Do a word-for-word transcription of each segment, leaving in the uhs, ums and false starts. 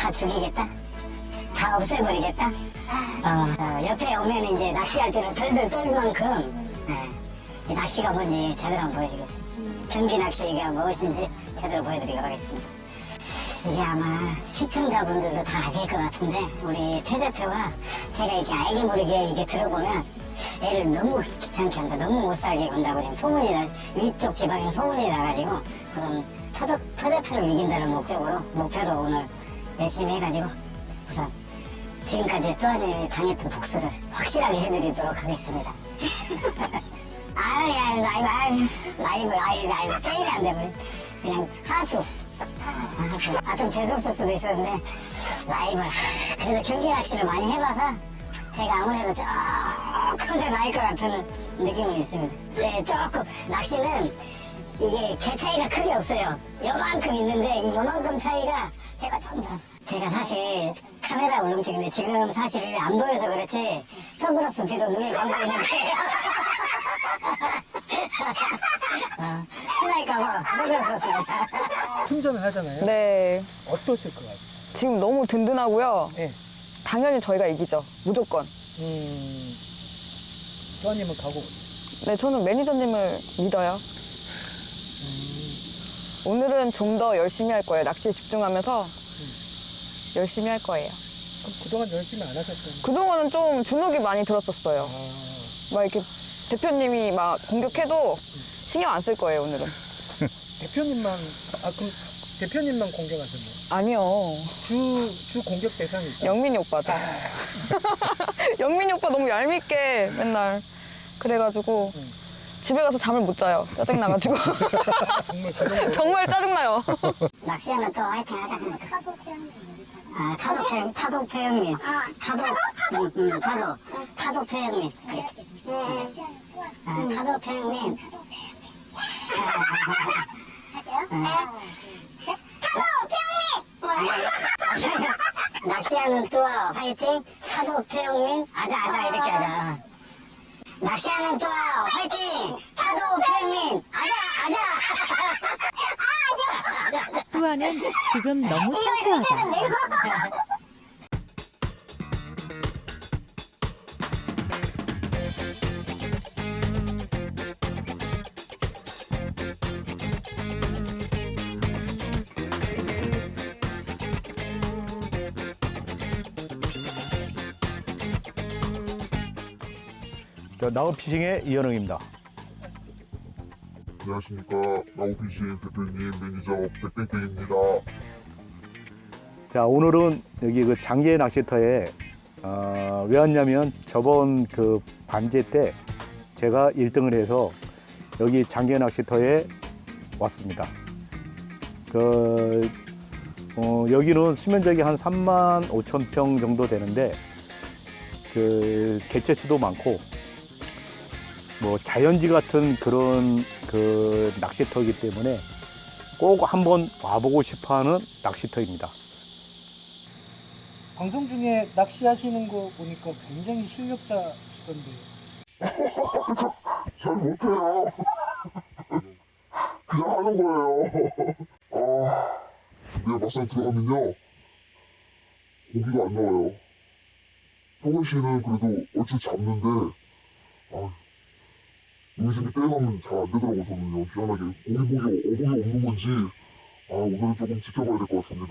다 죽이겠다? 다 없애버리겠다? 어, 어, 옆에 오면 이제 낚시할 때는 덜덜 떨 만큼 예, 이 낚시가 뭔지 제대로 한번 보여드리겠습니다. 경기 낚시가 무엇인지 제대로 보여드리도록 하겠습니다. 이게 아마 시청자분들도 다 아실 것 같은데 우리 태 대표가 제가 이렇게 알게 모르게 이렇게 들어보면 애를 너무 귀찮게 한다, 너무 못 살게 군다고 지금 소문이 나, 위쪽 지방에 소문이 나가지고 그럼 태 대표를 이긴다는 목적으로 목표로 오늘 열심히 해가지고 우선 지금까지 또한이 당했던 복수를 확실하게 해드리도록 하겠습니다. 아유, 야, 라이브, 아유, 라이브, 아유, 라이브, 게임이 안 되면 그냥 하수. 아, 하수. 아, 좀 재수없을 수도 있었는데, 라이브. 그래도 경기 낚시를 많이 해봐서 제가 아무래도 조금 더 나을 것 같은 느낌은 있습니다. 네, 조금, 낚시는 이게 개 차이가 크게 없어요. 요만큼 있는데, 이 요만큼 차이가 제가 좀 더. 제가 사실 카메라 울렁증인데 지금 사실 안 보여서 그렇지 선글라스 뒤로 눈을 감고 있는데 어, 흔할까봐 눈을 썼습니다. 충전을 하잖아요. 네. 어떠실 것 같아요? 지금 너무 든든하고요. 네. 당연히 저희가 이기죠. 무조건. 음, 또한님은 가고. 네, 저는 매니저님을 믿어요. 오늘은 좀 더 열심히 할 거예요. 낚시에 집중하면서 열심히 할 거예요. 그럼 그동안 열심히 안 하셨던 그동안은 좀 주눅이 많이 들었었어요. 아, 막 이렇게 대표님이 막 공격해도 신경 안 쓸 거예요, 오늘은. 대표님만, 아, 그럼 대표님만 공격하셨나요? 아니요. 주, 주 공격 대상이 있어요? 영민이 오빠죠. 영민이 오빠 너무 얄밉게 맨날. 그래가지고 응. 집에 가서 잠을 못 자요. 짜증나가지고. 정말 그런 정말 짜증나요. 낚시하면 또 화이팅 하자. 아, 타도 태, 타도 태형님. 타도, 음, 음, 타도, 타도 태형님. 아, 타도 태형님. 낚시하는 뚜아 화이팅, 타도 태형님. 아자, 아자, 이렇게 하자. 낚시하는 뚜아 화이팅, 타도 태형님. 아자, 아자. 뚜아는 지금 너무 상쾌하다. 나우피싱의 이현웅입니다. 안녕하십니까. 나우피싱 대표님, 매니저 백백백입니다. 자, 오늘은 여기 그 장계 낚시터에 어, 왜 왔냐면 저번 그 반제 때 제가 일 등을 해서 여기 장계 낚시터에 왔습니다. 그 어, 여기는 수면적이 한 삼만 오천 평 정도 되는데 그 개체수도 많고 뭐 자연지 같은 그런 그 낚시터이기 때문에 꼭 한번 와보고 싶어하는 낚시터입니다. 방송 중에 낚시하시는 거 보니까 굉장히 실력자시던데. 잘 못해요. 그냥 하는 거예요. 아, 내가 막상 들어가면요. 고기가 안 나와요. 형원 씨는 그래도 얼추 잡는데, 아, 요즘에 떼가면 잘 안 되더라고요, 저는요. 희한하게. 고기 보기, 어복이 없는 건지, 아, 오늘은 조금 지켜봐야 될 것 같습니다.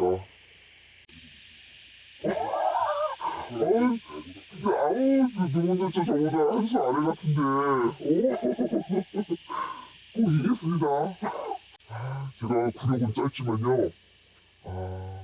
아유, 진짜, 아우, 누군들 저 저보다 한 수 아래 같은데, 오, 꼭 이겼습니다. 아, 제가 구력은 짧지만요, 아,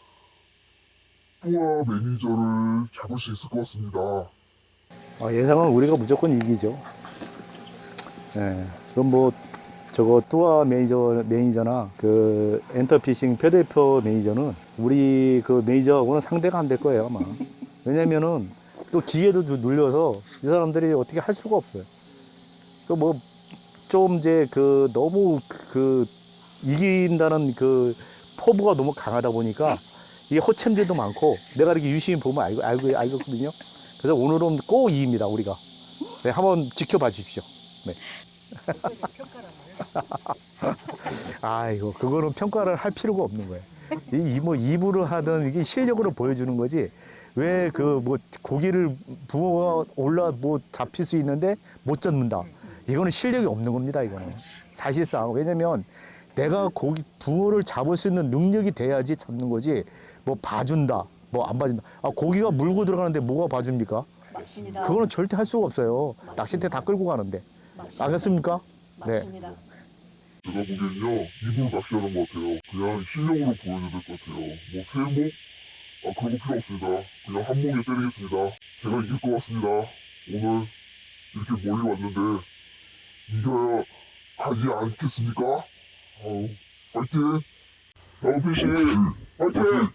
뚜아 매니저를 잡을 수 있을 것 같습니다. 어, 예상은 우리가 무조건 이기죠. 예. 그럼 뭐 저거 뚜아 매니저 매니저나 그 엔터피싱 표대표 매니저는 우리 그 매니저하고는 상대가 안 될 거예요 아마. 왜냐면은 또 기계도 눌려서 이 사람들이 어떻게 할 수가 없어요. 그 뭐 좀 이제 그 너무 그 이긴다는 그 포부가 너무 강하다 보니까 이게 허챔질도 많고 내가 이렇게 유심히 보면 알고 알고 알거든요. 그래서 오늘은 꼭 이깁니다 우리가. 네, 한번 지켜봐 주십시오. 네. 아이고 그거는 평가를 할 필요가 없는 거예요. 이 뭐 입으로 하던 이게 실력으로 보여주는 거지. 왜 그 뭐 고기를 붕어가 올라 뭐 잡힐 수 있는데 못 잡는다. 이거는 실력이 없는 겁니다. 이거는 사실상. 왜냐면 내가 고기 붕어를 잡을 수 있는 능력이 돼야지 잡는 거지. 뭐 봐준다, 뭐 안 봐준다. 아 고기가 물고 들어가는데 뭐가 봐줍니까? 맞습니다. 그거는 절대 할 수가 없어요. 낚싯대 다 끌고 가는데. 알겠습니까? 네. 맞습니다. 제가 보기엔요, 입으로 낚시하는 것 같아요. 그냥 실력으로 보여줘야 될 것 같아요. 뭐, 세목? 아, 그런 거 필요 없습니다. 그냥 한 목에 때리겠습니다. 제가 이길 것 같습니다. 오늘 이렇게 멀리 왔는데, 이겨야 하지 않겠습니까? 아우, 파이팅! 라우피씨, 파이팅!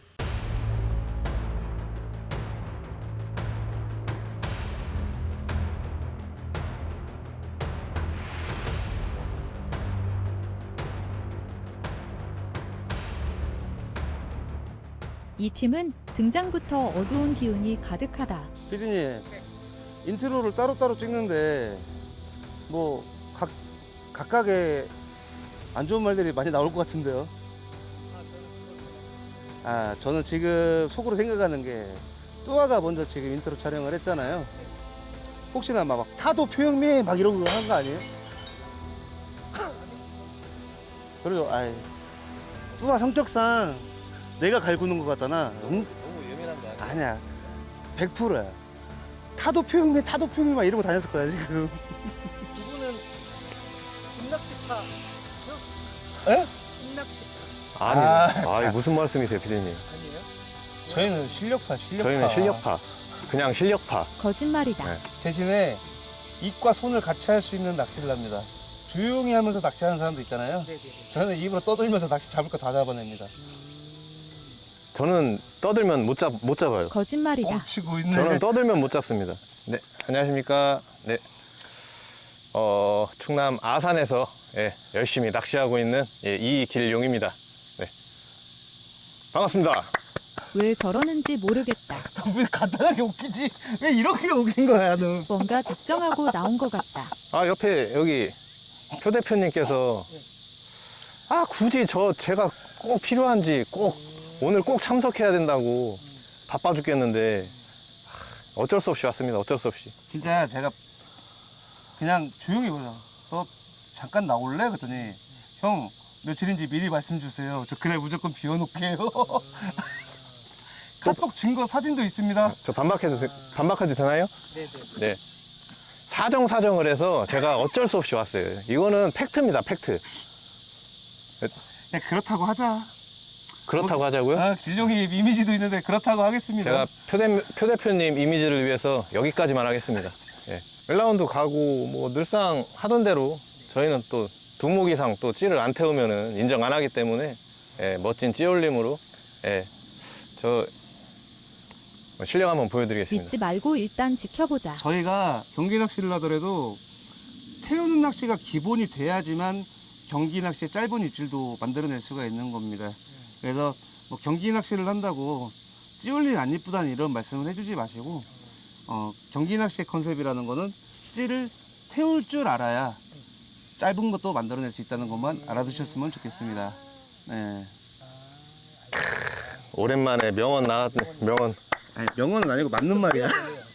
이 팀은 등장부터 어두운 기운이 가득하다. 피디님, 인트로를 따로따로 찍는데 뭐 각, 각각의 안 좋은 말들이 많이 나올 것 같은데요. 아, 저는 지금 속으로 생각하는 게 뚜아가 먼저 지금 인트로 촬영을 했잖아요. 혹시나 막 타도 표현미 막 이런 거 한 거 아니에요? 그래도 아이 뚜아 성격상 내가 갈구는 것 같다나. 응? 너무 예민한 거 아니야? 아니야, 백 퍼센트야. 타도 표현미 타도 표현미 막 이러고 다녔을 거야 지금. 두 분은 입낚시파. 에? 입낚시파 아니, 아, 아, 무슨 말씀이세요, 피디님? 아니에요? 저희는 실력파, 실력파. 저희는 실력파. 그냥 실력파. 거짓말이다. 네. 대신에 입과 손을 같이 할 수 있는 낚시를 합니다. 조용히 하면서 낚시하는 사람도 있잖아요. 네네. 저는 입으로 떠들면서 낚시 잡을 거 다 잡아냅니다. 저는 떠들면 못 잡, 못 잡아요. 거짓말이다. 뻥치고 있네. 저는 떠들면 못 잡습니다. 네, 안녕하십니까. 네. 어, 충남 아산에서 예, 열심히 낚시하고 있는 예, 이길용입니다. 네. 반갑습니다. 왜 저러는지 모르겠다. 왜 간단하게 웃기지? 왜 이렇게 웃긴 거야, 너? 뭔가 작정하고 나온 것 같다. 아, 옆에 여기 표 대표님께서 아, 굳이 저 제가 꼭 필요한지 꼭 오늘 꼭 참석해야 된다고 바빠 죽겠는데 어쩔 수 없이 왔습니다. 어쩔 수 없이. 진짜 제가 그냥 조용히 보자. 너 잠깐 나올래? 그랬더니 형 며칠인지 미리 말씀 주세요. 저 그날 무조건 비워놓게요. 카톡 증거 사진도 있습니다. 저 반박해도 돼- 반박해도 되나요? 네네. 네. 사정 사정을 해서 제가 어쩔 수 없이 왔어요. 이거는 팩트입니다. 팩트. 네, 그렇다고 하자. 그렇다고 하자고요? 아, 길룡이 이미지도 있는데 그렇다고 하겠습니다. 제가 표, 대, 표 대표님 이미지를 위해서 여기까지만 하겠습니다. 예. 일 라운드 가고 뭐 늘상 하던 대로 저희는 또 두목 이상 또 찌를 안 태우면은 인정 안 하기 때문에 예, 멋진 찌올림으로 예, 저 실력 한번 보여드리겠습니다. 믿지 말고 일단 지켜보자. 저희가 경기 낚시를 하더라도 태우는 낚시가 기본이 돼야지만 경기 낚시의 짧은 입질도 만들어낼 수가 있는 겁니다. 그래서 뭐 경기 낚시를 한다고 찌올린 안 이쁘다는 이런 말씀을 해주지 마시고 어, 경기 낚시의 컨셉이라는 거는 찌를 태울 줄 알아야 짧은 것도 만들어낼 수 있다는 것만 알아두셨으면 좋겠습니다. 네. 오랜만에 명언 나왔네. 명언. 아니, 명언은 아니고 맞는 말이야.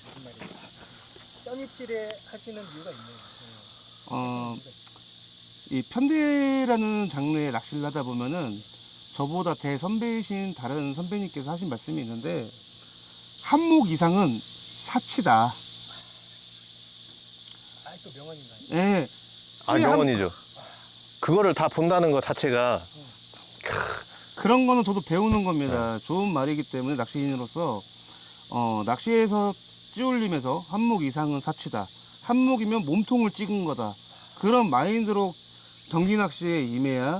짠입질에 하시는 이유가 있네요. 어, 이 편대라는 장르의 낚시를 하다 보면은 저보다 대선배이신 다른 선배님께서 하신 말씀이 있는데 한 목 이상은 사치다. 아또 명언인가요? 예. 아, 명언이죠. 그거를 다 본다는 것 자체가 그런 거는 저도 배우는 겁니다. 좋은 말이기 때문에 낚시인으로서 어, 낚시에서 찌올림에서 한 목 이상은 사치다. 한 목이면 몸통을 찍은 거다. 그런 마인드로 경기 낚시에 임해야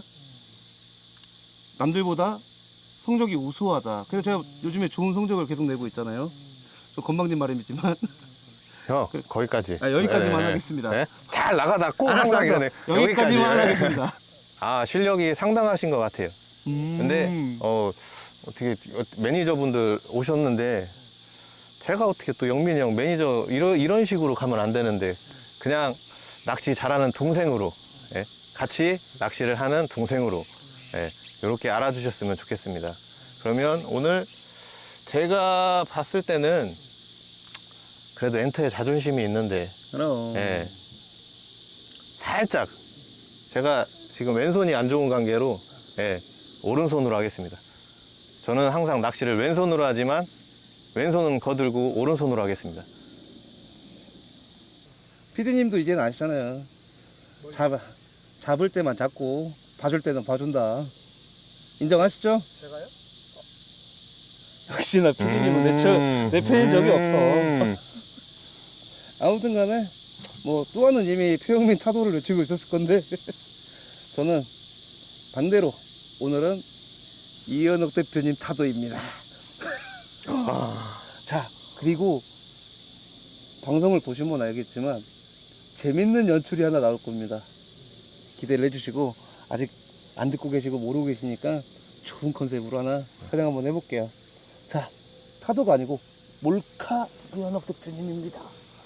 남들보다 성적이 우수하다. 그래서 제가 요즘에 좋은 성적을 계속 내고 있잖아요. 저 건방진 말이지만 어, 거기까지. 아, 여기까지만 네, 하겠습니다. 네. 잘 나가다 꼭 알았어, 항상 알았어. 이러네. 여기까지만 여기까지. 하겠습니다. 아, 실력이 상당하신 것 같아요. 음. 근데 어, 어떻게 매니저분들 오셨는데 제가 어떻게 또 영민이 형 매니저 이런 이런 식으로 가면 안 되는데 그냥 낚시 잘하는 동생으로 예, 같이 낚시를 하는 동생으로 예, 이렇게 알아주셨으면 좋겠습니다. 그러면 오늘 제가 봤을 때는 그래도 엔터에 자존심이 있는데 그럼. 예, 살짝 제가 지금 왼손이 안 좋은 관계로 예, 오른손으로 하겠습니다. 저는 항상 낚시를 왼손으로 하지만 왼손은 거들고 오른손으로 하겠습니다. 피디님도 이제는 아시잖아요. 잡, 잡을 때만 잡고 봐줄 때는 봐준다. 인정하시죠? 제가요? 역시나 피디님은 내, 저, 내 편인 적이 없어. 아무튼 간에 뭐 뚜아는 이미 표영민 타도를 외치고 있었을 건데 저는 반대로 오늘은 이현욱 대표님 타도입니다. 자, 그리고 방송을 보시면 알겠지만 재밌는 연출이 하나 나올 겁니다. 기대를 해주시고, 아직 안 듣고 계시고 모르고 계시니까 좋은 컨셉으로 하나 촬영 한번 해볼게요. 자, 타도가 아니고 몰카 이현욱 대표님입니다.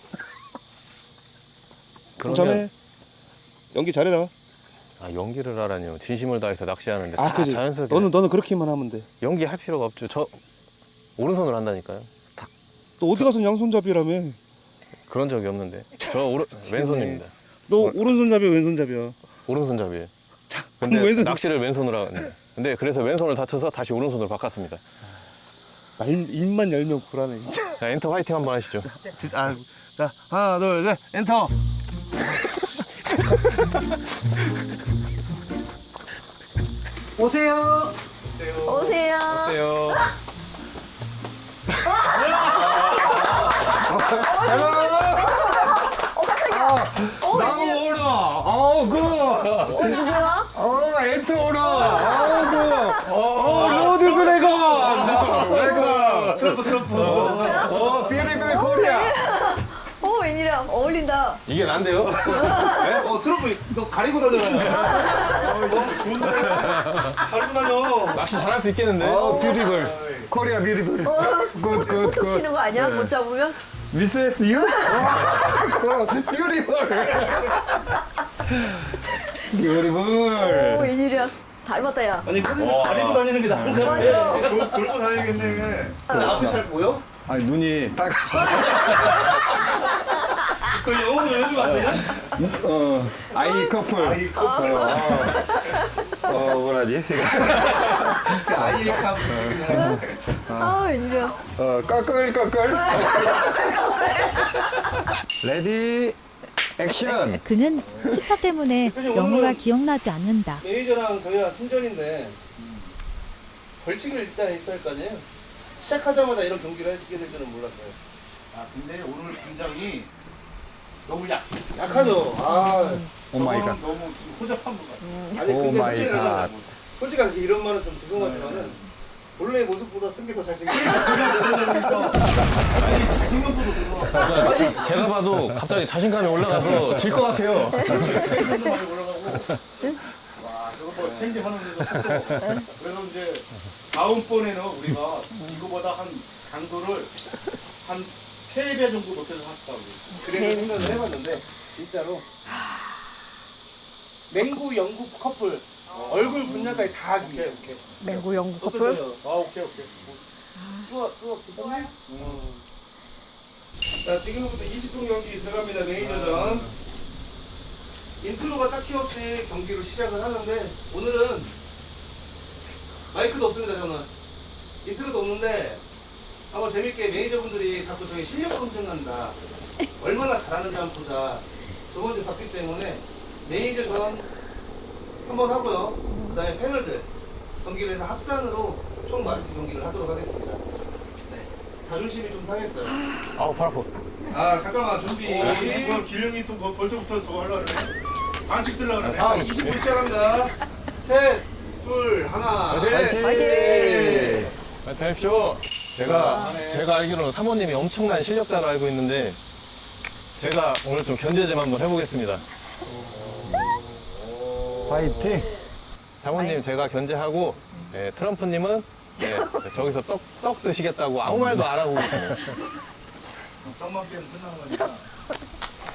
그럼 전에 연기 잘해라. 아, 연기를 하라니요. 진심을 다해서 낚시하는데 아, 다 그지. 자연스럽게 너는 너는 그렇게만 하면 돼. 연기할 필요가 없죠. 저 오른손으로 한다니까요. 너 어디 가서 양손잡이라며? 그런 적이 없는데. 저 오른 왼손입니다. 너 오른손잡이야, 왼손잡이야? 오른손잡이예요. 그럼 근데 왼손- 낚시를 왼손으로 하는데. 근데 그래서 왼손을 다쳐서 다시 오른손으로 바꿨습니다. 말 입만 열면 불안해 진짜. 자, 엔터 화이팅 한번 하시죠. 진짜. 아, 자, 하나, 둘, 셋, 엔터. 오세요. 오세요. 안녕하세요. 나오라. 어, 그. 어, 누구야? 어, 엔터 오라. 어, 그. 어, 로즈 드래곤. 드래곤. 트러프 트러프. 어, 비리빌 코리아. 어, 웬일이야. 어울린다. 이게 난데요? 어 트러프 너 가리고 다녀요. 어, 가리고 다녀. 낚시 잘할 수 있겠는데? 어, 뷰티풀. 코리아 뷰티풀. 굿, 굿, 굿. 치는 거 아니야? 못 잡으면? 미세스 유? 굿, 뷰티풀. 뷰티풀. 오, 웬일이야. 닮았다, 야. 아니 그냥 가리고 다니는 게 나은 거 같아. 돌고 다니겠네. 나 앞에 잘 보여? 아니, 눈이 딱. 그 영어로 해주면 안 되냐? 어, 아이 커플. 아이 커플. 어, 어, 뭐라지? 아이카. 아, 웬일이야. 어, 꺼끌, 꺼끌. 레디, 액션. 그는 시차 때문에 영어가 기억나지 않는다. 매니저랑 저희가 친전인데 벌칙을 일단 있어야 할 거 아니에요? 시작하자마자 이런 경기를 하게 될 줄은 몰랐어요. 아 근데 오늘 분장이 너무 약. 약하죠. 아, 오 마이 갓. 너무 지금 호접한 것 같아. 아니 오 근데 마이 솔직히 갓. 솔직하게 이런 말은 좀 죄송하지만은 본래 모습보다 쓴 게 더 잘생겼어. 아니 생각보다 그거. 제가 봐도 갑자기 자신감이 올라가서 질 것 같아요. 텐션도 많이 올라가고. 와 저거 뭐 체인지 하는데도 속도. 그래서 이제 다음번에는 우리가 이거보다 한 강도를 한 세 배 정도 높여서 하겠다고. 그래서 생각을 해봤는데 진짜로 맹구 영국 커플 얼굴 분야까지 다 하기. 오케이 오케이. 맹구 영국 커플? 어떠세요? 아 오케이 오케이. 좋아 좋아 괜찮네. 자 지금부터 이십 분 경기 들어갑니다. 매니저전. 인트로가 딱히 없이 경기를 시작을 하는데 오늘은 마이크도 없습니다. 저는 인트로도 없는데 한번 재밌게 매니저분들이 자꾸 저희 실력 검증한다, 얼마나 잘하는지 한번 보자, 저번 주에 봤기 때문에 매니저전 한번 하고요. 그 다음에 패널들 경기를 해서 합산으로 총 마리스 경기를 하도록 하겠습니다. 네. 자존심이 좀 상했어요. 아우, 팔 아파. 아 잠깐만 준비. 뭐 길령이 또 뭐 벌써부터 저거 하려고 그래. 반칙 쓰려고 그래. 자, 이십 분 시작합니다. 셋, 둘, 하나. 화이팅! 화이팅! 화이팅 하십시오. 제가, 제가 알기로는 사모님이 엄청난 실력자로 알고 있는데, 제가 오늘 좀 견제 좀 한번 해보겠습니다. 파이팅. 사모님 제가 견제하고, 예, 트럼프님은 예, 저기서 떡, 떡 드시겠다고 아무 말도 안 하고 계시네요. 점만 빼면 끝나는 거니까.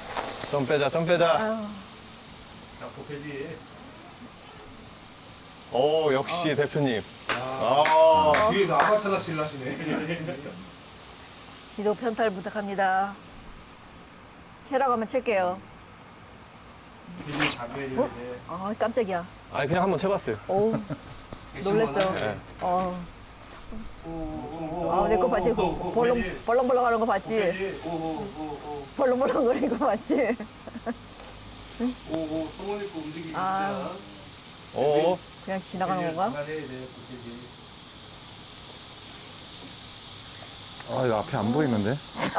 좀 빼자, 좀 빼자. 자 보패지. 오, 역시 대표님. 아, 뒤에서 아바타 낚시를 하시네. 지도 편탈 부탁합니다. 채라고 하면 챌게요. 어? 아, 깜짝이야. 아니, 그냥 한번 쳐봤어요. 오, 놀랬어. 네. 어. 아, 내 거 봤지? 벌렁, 벌렁벌렁 하는 거 봤지? 벌렁벌렁 거리는 거 봤지? 오오 성원 입고 움직이기 아. 오, 그냥 지나가는 건가? 아, 이거 앞에 안 보이는데?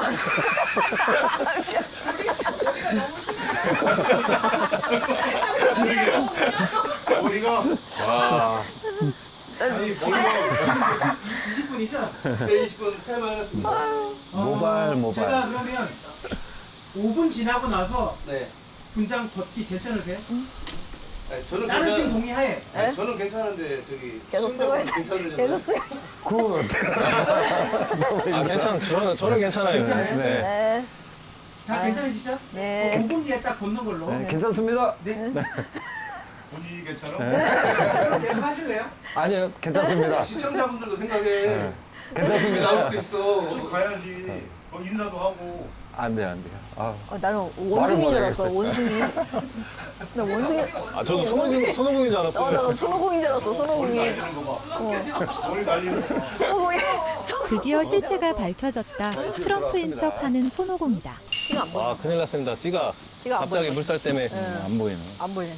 머리가 와. 아니 머리가 이십 분이죠? 네 이십 분 타임 하셨습니다. 모발, 모발. 제가 그러면 오 분 지나고 나서 네. 분장 걷기 괜찮으세요? 아니, 저는 다른 팀 괜찮. 동의하에 아니, 저는 괜찮은데 저기 계속 쓰고 있어. 괜찮으려나? 계속 쓰고 굿. 아, 괜찮, 저는, 저는 괜찮아요. 괜찮아요? 네. 네. 다 괜찮으시죠? 네. 오 분 뒤에 딱 걷는 걸로. 네, 괜찮습니다. 분위기 괜찮아? 그럼 계속 하실래요? 아니요, 괜찮습니다. 시청자분들도 생각해. 괜찮습니다. 나올 수도 있어. 쭉 가야지. 어, 인사도 하고. 안 돼요, 안 돼요. 아, 어, 나는 원숭이인 줄 알았어, 원숭이. 나 원숭이. 아, 저도 손오공, 손오공인 줄 어, 알았어요. 나 손오공인 줄 알았어, 손오공이. 날리는 거 봐. 머리 날리는 거 봐. 손오공이. 드디어 실체가 밝혀졌다. 트럼프인 척하는 손오공이다. 티가 안 보여. 아, 큰일 났습니다. 찌가 티가 안 갑자기 보여. 물살 때문에. 안 보이네. 안 보이네.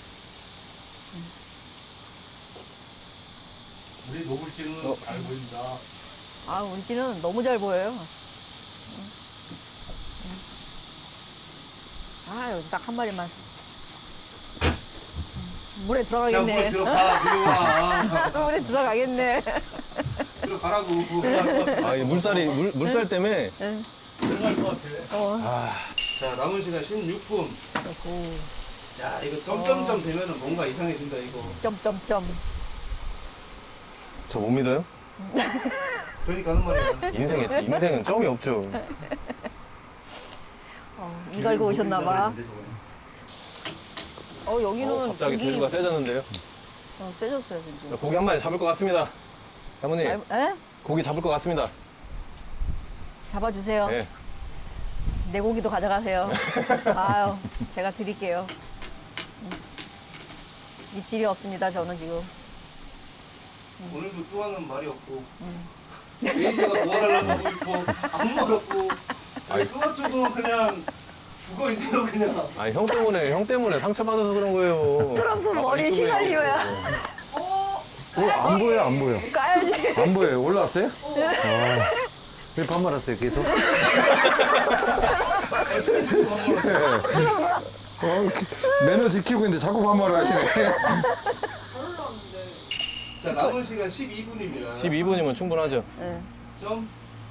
우리 노블씨는 잘 보인다. 아, 우리 찌는 너무 잘 보여요. 아, 여기 딱 한 마리만. 물에 자, 들어가겠네. 물에 들어가, 들어와. 물에 들어가겠네. 들어가라고. 아, 이 물살이, 물, 물살 때문에. 들어갈 것 같아. 자, 남은 시간 십육 분. 야, 이거 점점점 되면은 뭔가 이상해진다, 이거. 점점점. 저 못 믿어요? 그러니까 하는 말이야. 인생에, 인생은 점이 없죠. 어, 이 갈고 오셨나봐. 어, 여기는 어, 갑자기 고기- 대구가 세졌는데요. 어, 세졌어요, 진짜. 고기 한 마리 잡을 것 같습니다. 사모님, 에? 고기 잡을 것 같습니다. 잡아주세요. 네. 내 고기도 가져가세요. 아유, 제가 드릴게요. 음. 입질이 없습니다, 저는 지금. 오늘도 뚜아는 말이 없고. 매니저가 도와달라고 하고 있고, 아무 말 없고. 아니, 뚜아 쪽은 그냥 죽어 있네요, 그냥. 아, 형 때문에, 형 때문에 상처받아서 그런 거예요. 트럼프 머리 유튜브에 휘갈리면 어, 안 보여요, 안 보여. 까야지. 안 보여요. 올라왔어요? 아, 왜 반말하세요, 계속? 어, 매너 지키고 있는데 자꾸 반말을 하시네. 자, 남은 시간 십이 분입니다. 십이 분이면 충분하죠. 네. 점.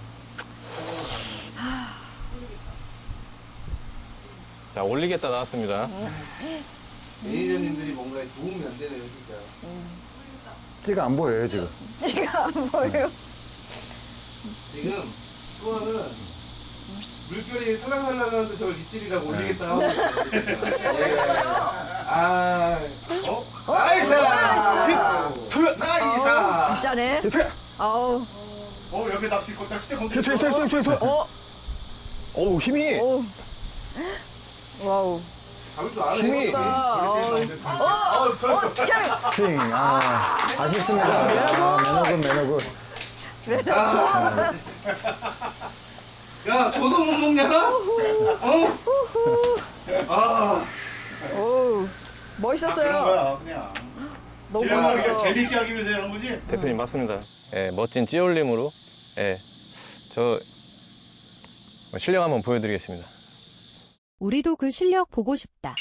자, 올리겠다 나왔습니다. 매니저님들이 뭔가에 도움이 안 되네요, 진짜. 찌가 안 보여요, 지금. 지가 안 보여. 지금 뚜아는 물결이 살랑살랑하는데 저걸 입질이라고 올리겠다 하고 있어요. 아, 어? 나이스! 그, 나이스! 진짜네. 아우. 어, 여기 낚시 거 낚싯대 건드. 어? 어우, 힘이. 오. 와우. 잡을 줄 아네. 힘이. 어, 어, 좋았어. 차 핑. 아, 아쉽습니다. 아, 매너군, 매너군. 야, 저도 못 먹냐? 어? 아, 오. 멋있었어요. 그런 거야, 그냥. 너무 그냥 그냥 멋있었어. 재밌게 하기 위해서 이런 거지? 대표님 맞습니다. 예, 멋진 찌올림으로 예, 저 실력 한번 보여드리겠습니다. 우리도 그 실력 보고 싶다.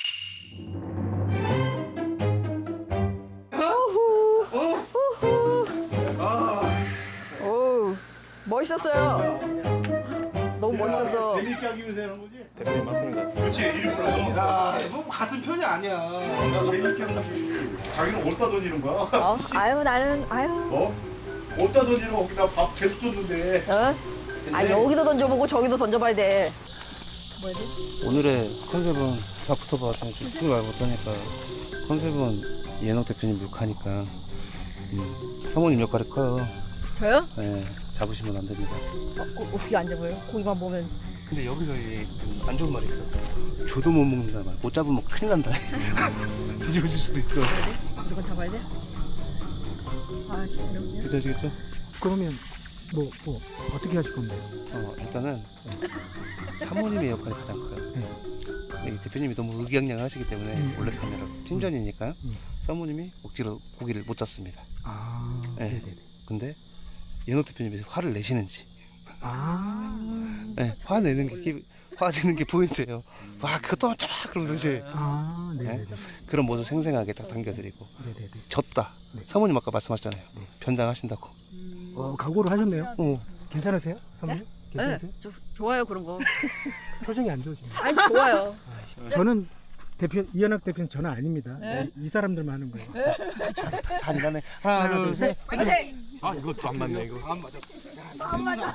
오. 멋있었어요. 너무 멋있었어. 재밌게 하기 위해서 이런 거지? 대표님 맞습니다. 그렇지, 일부러. 야, 뭐 같은 편이 아니야. 나 재밌게 한 거지. 자기는 어디다 던지는 거야? 어? 아유, 나는, 아유. 어? 어디다 던지는 거 거기다 밥 계속 줬는데. 어? 아, 여기도 던져보고 저기도 던져봐야 돼. 뭐야 돼? 오늘의 컨셉은 다 붙어봐. 좀 죽지 말고 떠니까 컨셉은 이현옥 대표님 욕하니까 음, 사모님 역할이 커요. 저요? 네, 잡으시면 안 됩니다. 어, 어, 어떻게 안 잡아요? 고기만 보면. 근데 여기서 안 좋은 말이 있어. 저도 못 먹는다 말. 못 잡으면 큰일 난다. 뒤집어질 수도 있어. 무조건 잡아야 돼? 아, 그럼요. 괜찮으시겠죠? 그러면 뭐, 뭐 어떻게 하실 건데요? 어, 일단은 사모님의 역할이 가장 커요. 네. 이 대표님이 너무 의기양양하시기 때문에 음. 몰래 카메라 팀전이니까요. 음. 사모님이 억지로 고기를 못 잡습니다. 아, 네. 네네네. 근데 이현옥 대표님이 화를 내시는지, 아, 네, 화 내는 게 화 내는 게 포인트예요. 와, 그것도 잡아 그러면서 이제 아, 네네네. 그런 모습 생생하게 딱 당겨드리고 네네네. 졌다. 네. 사모님 아까 말씀하셨잖아요. 네. 변장하신다고. 어, 각오를 하셨네요. 어. 괜찮으세요? 사모님? 네, 괜찮으세요? 저, 좋아요 그런 거. 표정이 안 좋으시네요. 아니 좋아요. 저는 대표 이현학 대표는 저는 아닙니다. 네. 이, 이 사람들만 하는 거예요. 잔인하네. 하나, 하나, 둘, 셋. 아, 이것도 안 맞네, 이거. 안 맞아. 안 맞아.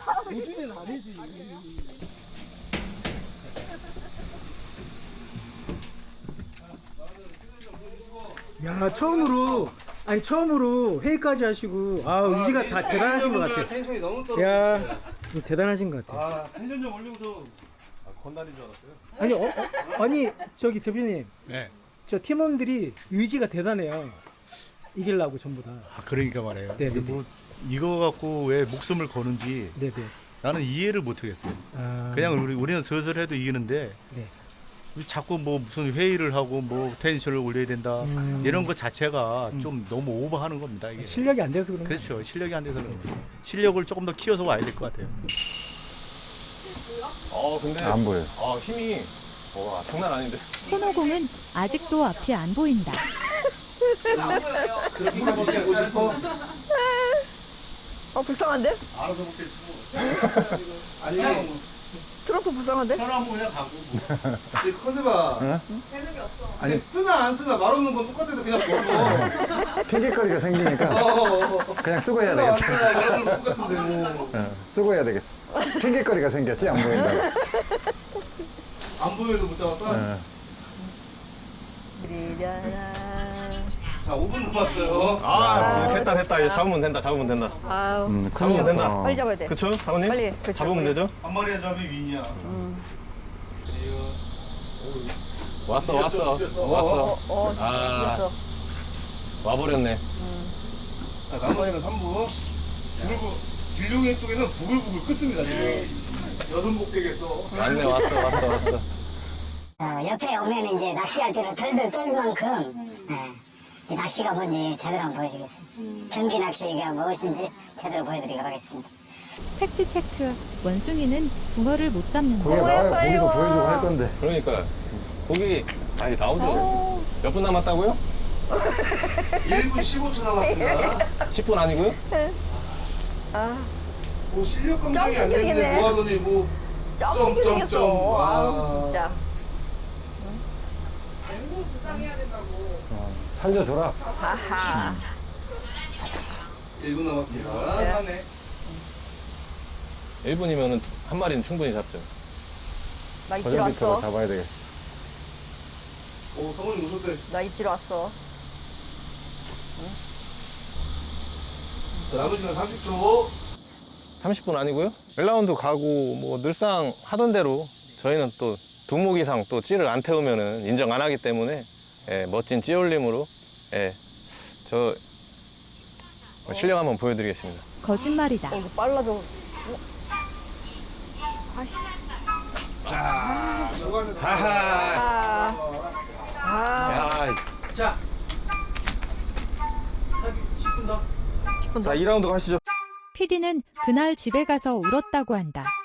야, 처음으로 아니 처음으로 회의까지 하시고 아 의지가 다 대단하신 것 같아요. 텐션이 너무 떨어. 야, 대단하신 것 같아요. 아, 텐션 좀 올리고 좀. 아, 건달인 줄 알았어요. 아니, 어, 어, 아니 저기 대표님, 네. 저 팀원들이 의지가 대단해요. 이기려고 전부 다. 아, 그러니까 말해요. 네, 이게 네, 뭐 이거 갖고 왜 목숨을 거는지 네네. 나는 이해를 못 하겠어요. 아, 그냥 우리 우리는 슬슬 해도 이기는데 네. 자꾸 뭐 무슨 회의를 하고 뭐 텐션을 올려야 된다 음. 이런 것 자체가 음. 좀 너무 오버하는 겁니다. 이게. 실력이 안 돼서 그런 거예요. 그렇죠. 실력이 안 돼서 그런 거죠. 실력을 조금 더 키워서 와야 될 것 같아요. 어, 근데. 안 보여요. 아, 힘이. 와, 장난 아닌데. 손오공은 아직도 앞이 안 보인다. 그렇게 가보고 싶어. 어 불쌍한데? 알아서 못했고. 아니, 트럼프 불쌍한데? 편하고 그냥 가고. 이 컨셉아. 응? 아니, 쓰나 안 쓰나 말 없는 건 똑같아서 그냥 벗어. 핑계거리가 생기니까 어, 어, 어. 그냥 쓰고 해야 쓰나 안 되겠다. 쓰나 말 없는 건 똑같은데. 어, 쓰고 해야 되겠어. 핑계거리가 생겼지, 안 보인다고. 안 보여도 못 잡았다. 어. 자, 오 분 남았어요. 아, 됐다, 됐다. 이제 잡으면 된다, 잡으면 된다. 아우 음, 잡으면 된다. 어. 빨리 잡아야 돼. 그쵸, 사모님? 빨리, 그쵸, 잡으면 빨리. 되죠? 한 마리 잡으면 윈이야. 왔어, 왔어. 어, 왔어. 어, 아. 이겼어. 와버렸네. 자, 나머지는 삼 분. 그리고 길룡이 쪽에는 부글부글 끓습니다, 지금. 여섯 목되겠어. 왔네, 왔어, 왔어, 왔어. 어, 옆에 오면 이제 낚시할 때는 덜덜 떨 만큼 예, 이 낚시가 뭔지 제대로 한번 보여드리겠습니다. 경기 낚시가 무엇인지 제대로 보여드리도록 하겠습니다. 팩트 체크. 원숭이는 붕어를 못 잡는다. 거기 나와요. 고기도 보여주고 할 건데. 그러니까. 고기, 아니, 나오죠. 몇 분 남았다고요? 일 분 십오 초 남았습니다. 십 분 아니고요? 아, 뭐 실력 감정이 안 점 되는데 찍히겠네. 뭐 하더니 뭐. 점찍게 점, 생겼어. 점. 아우 아. 진짜. 어, 살려줘라. 하하. 일 분 남았습니다. 네. 하네. 일 분이면은 한 마리는 충분히 잡죠. 나 입질 버전비터가 왔어. 잡아야 되겠어. 오, 성훈이 오셨대. 나 입질 왔어. 자, 남은 시간 삼십 초. 삼십 분 아니고요? 일 라운드 가고 뭐 늘상 하던 대로 저희는 또 두목 이상 또 찌를 안 태우면은 인정 안 하기 때문에 예, 멋진 찌 올림으로 예, 저 실력 한번 보여드리겠습니다. 거짓말이다. 어, 이거 빨라져. 어? 아이씨. 하하. 아. 아. 야, 자. 십 분 더. 자 이 라운드 가시죠. 피디는 그날 집에 가서 울었다고 한다.